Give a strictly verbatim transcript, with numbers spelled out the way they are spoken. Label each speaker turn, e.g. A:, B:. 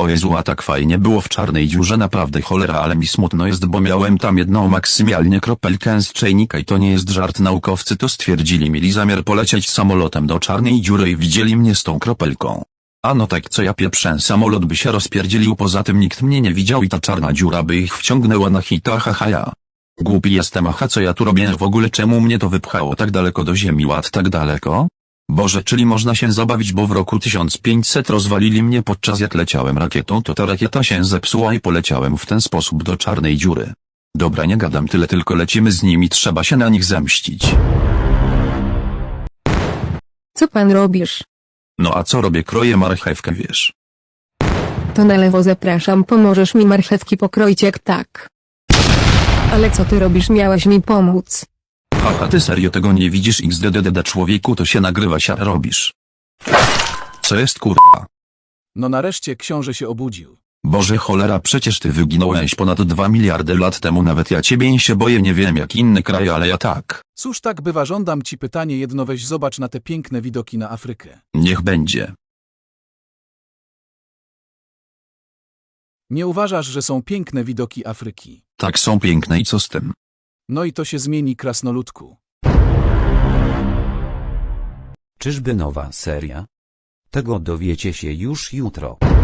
A: O Jezu, a tak fajnie było w czarnej dziurze, naprawdę cholera, ale mi smutno jest, bo miałem tam jedną maksymalnie kropelkę z czajnika i to nie jest żart. Naukowcy to stwierdzili, mieli zamiar polecieć samolotem do czarnej dziury i widzieli mnie z tą kropelką. A no tak, co ja pieprzę, samolot by się rozpierdzielił, poza tym nikt mnie nie widział i ta czarna dziura by ich wciągnęła na hita, haha ja. Głupi jestem, aha, co ja tu robię w ogóle, czemu mnie to wypchało tak daleko do ziemi, ład tak daleko? Boże, czyli można się zabawić, bo w roku tysiąc pięćset rozwalili mnie podczas jak leciałem rakietą, to ta rakieta się zepsuła i poleciałem w ten sposób do czarnej dziury. Dobra, nie gadam tyle, tylko lecimy z nimi, trzeba się na nich zemścić.
B: Co pan robisz?
A: No a co robię, kroję marchewkę, wiesz.
B: To na lewo zapraszam, pomożesz mi marchewki pokroić, jak tak. Ale co ty robisz, miałeś mi pomóc.
A: Haha, ty serio tego nie widzisz, xddddd człowieku, to się nagrywa, siara robisz. Co jest kurwa?
C: No nareszcie książę się obudził.
A: Boże cholera, przecież ty wyginąłeś ponad dwa miliardy lat temu, nawet ja ciebie się boję, nie wiem jak inny kraj, ale ja tak.
C: Cóż tak bywa, żądam ci pytanie jedno, weź zobacz na te piękne widoki na Afrykę.
A: Niech będzie.
C: Nie uważasz, że są piękne widoki Afryki?
A: Tak, są piękne i co z tym?
C: No i to się zmieni, krasnoludku.
D: Czyżby nowa seria? Tego dowiecie się już jutro.